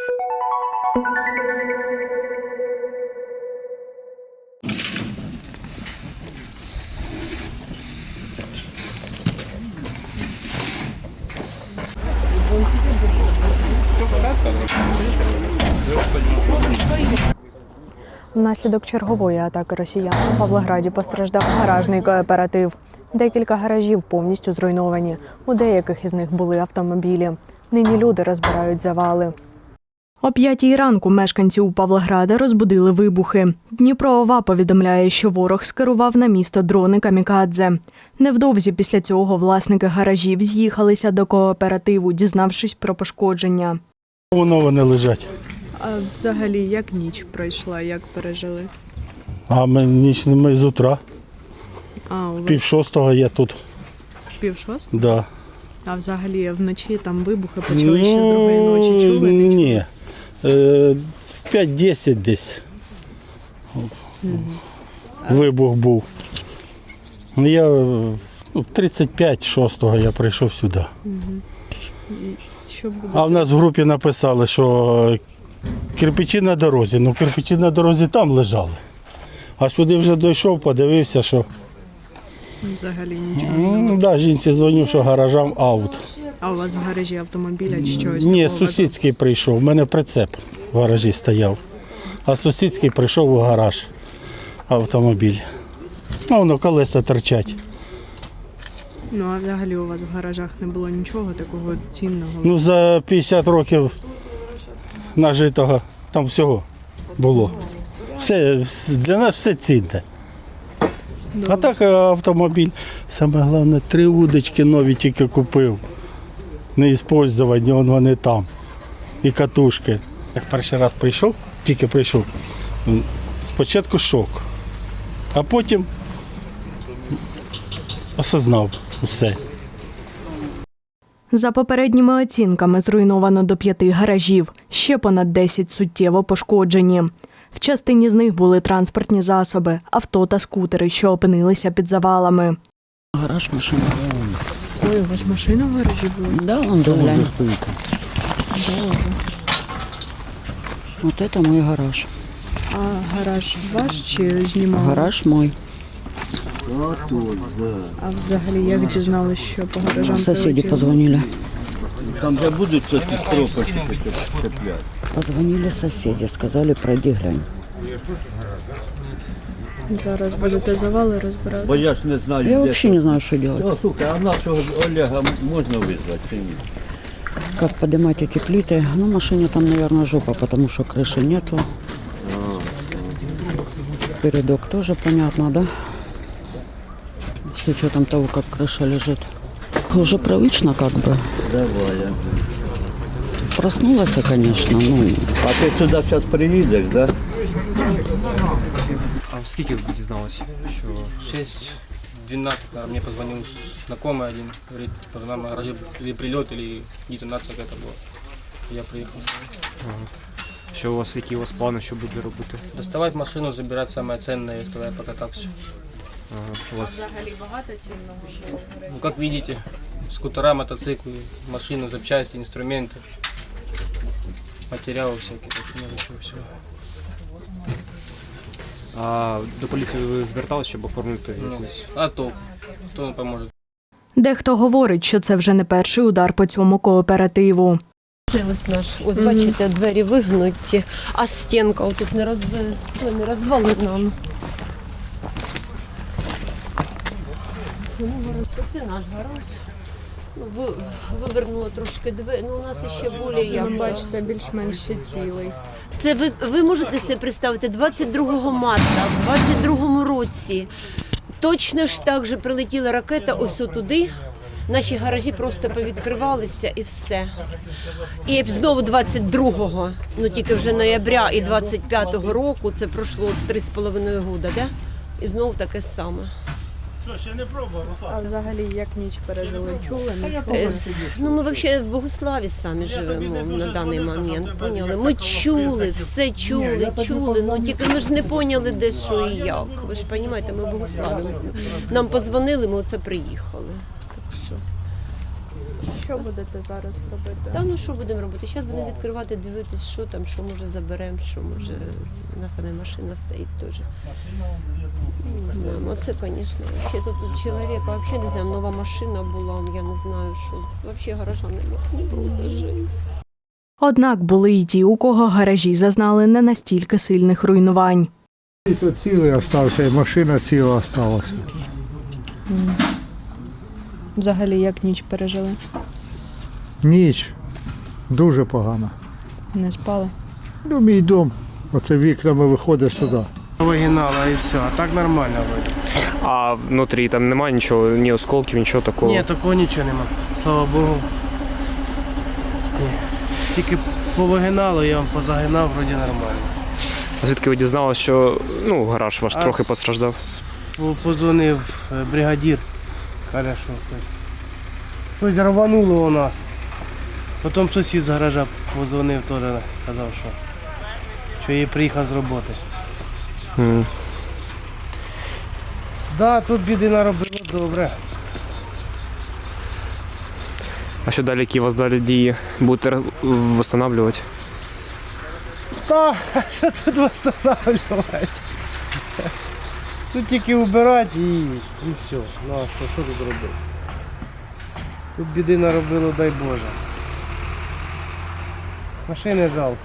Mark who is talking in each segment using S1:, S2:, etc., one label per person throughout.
S1: Внаслідок чергової атаки росіян у Павлограді постраждав гаражний кооператив. Декілька гаражів повністю зруйновані. У деяких із них були автомобілі. Нині люди розбирають завали. О 5-й ранку мешканців Павлограда розбудили вибухи. Дніпро ОВА повідомляє, що ворог скерував на місто дрони камікадзе. Невдовзі після цього власники гаражів з'їхалися до кооперативу, дізнавшись про пошкодження.
S2: Вони лежать.
S1: А взагалі, як ніч пройшла, як пережили?
S2: А ми з утра.
S1: У вас
S2: 5:30 я тут.
S1: з 5:30?
S2: Да.
S1: А взагалі вночі там вибухи почали ще з другої ночі. Чули?
S2: Ні. В 5:10 десь вибух був. Я 35:06 я прийшов сюди.
S1: Що буде?
S2: А в нас в групі написали, що кирпичі на дорозі. Ну, кирпичі на дорозі там лежали. А сюди вже дійшов, подивився, що...
S1: Взагалі нічого.
S2: Да, жінці дзвонив, що гаражам аут.
S1: А у вас в гаражі автомобіля чи щось?
S2: Ні, сусідський прийшов. У мене прицеп в гаражі стояв. А сусідський прийшов у гараж автомобіль. Воно колеса торчать.
S1: Ну, а взагалі у вас в гаражах не було нічого такого цінного?
S2: Ну, за 50 років нажитого там всього було. Все, для нас все цінне. А так автомобіль. Саме головне, 3 удочки нові тільки купив. Не використовані, вони там. І катушки. Як перший раз прийшов, тільки прийшов, спочатку шок. А потім осознав усе.
S1: За попередніми оцінками зруйновано до 5 гаражів. Ще понад 10 суттєво пошкоджені. В частині з них були транспортні засоби, авто та скутери, що опинилися під завалами.
S3: Гараж, машина.
S1: Ой, у вас машина в гаражі була?
S3: Да, он глянь. Вот это мой гараж.
S1: А гараж ваш чи знімали?
S3: Гараж мой.
S1: А взагалі як дізналися, що по гаражам
S3: Соседи
S1: прилетіло?
S3: позвонили.
S4: Там же будуть ці стропочки цепляти.
S3: Позвонили соседи, сказали, пройди глянь.
S1: Зараз будете завали розбирати?
S4: Бо я ж не знаю,
S3: Я
S4: де
S3: вообще не знаю, что делать.
S4: Ну, слухай, а нашого Олега можна визвати чи ні?
S3: Как поднимать эти плиты? Ну, машине там, наверное, жопа, потому что крыши нету. Передок тоже понятно, да? С учетом того, как крыша лежит. Уже привычно как бы.
S4: Давай.
S3: Проснулась, конечно, ну...
S4: А ти сюди зараз приїдеш, так? Да?
S5: А скільки ви дізналися? Що 6:12 мне позвонил знакомый один, говорит, типа, нам гаражі прильот или детонація какая-то була. Я приїхав.
S6: Які у вас плани, що буде робити?
S5: Доставати машину, забирати саме цінне, і я покатався.
S6: У вас
S1: Взагалі багато цінного?
S5: Ну, как видите, скутера, мотоциклы, машины, запчасти, инструменты, материалы всякие, очень много чего всего.
S6: а до поліції ви зверталися, щоб оформити
S5: Ну,
S6: якусь?
S5: а то, кто нам поможет?
S1: Дехто говорить, що це вже не перший удар по цьому кооперативу.
S7: Ось наш, ось бачите, двері вигнуті, а стінка отут не розвалена. Це наш гараж. Ну, вивернуло трошки двері, ну у нас ще більше як.
S1: Бачите, більш-менш ще цілий.
S7: Це ви можете себе представити, 22 марта, в 22-му році точно ж так же прилетіла ракета ось туди. Наші гаражі просто повідкривалися і все. І знову 22-го, ну тільки вже ноября і 25-го року, це пройшло 3,5 роки, да? І знову таке саме.
S1: А взагалі як ніч пережили? Чули?
S7: Ну ми взагалі в Богуславі самі живемо на даний момент, поняли? Ми чули, все чули, ну тільки ми ж не поняли, де що і як. Ви ж розумієте, ми в Богуславі. Нам позвонили, ми оце приїхали. Так що...
S1: Що будете зараз робити?
S7: Та ну що будемо робити? Зараз будемо відкривати, дивитись, що там, що може заберемо, що може. У нас там і машина стоїть теж. Не знаю, оце, звісно. Взагалі тут чоловік, взагалі не знаю, нова машина була, я не знаю, що. Взагалі гаража не було жити.
S1: Однак були й ті, у кого гаражі зазнали не настільки сильних руйнувань.
S8: І тут цілий остався, і машина ціла осталася.
S1: Взагалі, як ніч пережили?
S8: Ніч дуже погана.
S1: Не спали?
S8: Ну, мій дом, оце вікнами виходить сюди.
S9: Вигинала і все, а так нормально вроде.
S6: А внутрі там немає нічого, ні осколків, нічого такого.
S9: Ні, такого нічого нема. Слава Богу. Ні. Тільки повигинало, я вам позагинав, вроді нормально.
S6: А звідки ви дізналися, що гараж ваш трохи
S9: А
S6: постраждав?
S9: Позвонив бригадір. Каже, що щось рвануло у нас. Потім сусід з гаража позвонив, теж сказав, що я приїхав з роботи.
S6: М.
S9: Да, тут біди наробило добре.
S6: А що далі, які у вас далі дії? Будете встановлювати?
S9: Та, що тут встановлювати? Тут тільки вбирати і все. Ну а що тут робити? Тут біди наробило, дай Боже. Машини жалко.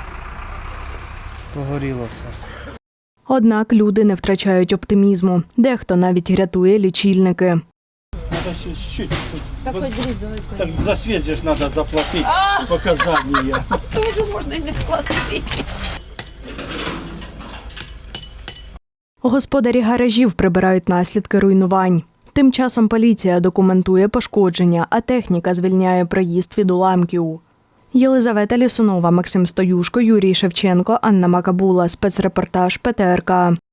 S9: Погоріло все.
S1: Однак люди не втрачають оптимізму. Дехто навіть рятує лічильники.
S2: Надо чуть-чуть.
S7: Так хоч різали.
S2: Так за свет же ж надо заплатить показания.
S7: Теж можна і не платити.
S1: Господарі гаражів прибирають наслідки руйнувань. Тим часом поліція документує пошкодження, а техніка звільняє проїзд від уламків. Єлизавета Лісунова, Максим Стоюшко, Юрій Шевченко, Анна Макабула. Спецрепортаж ПТРК.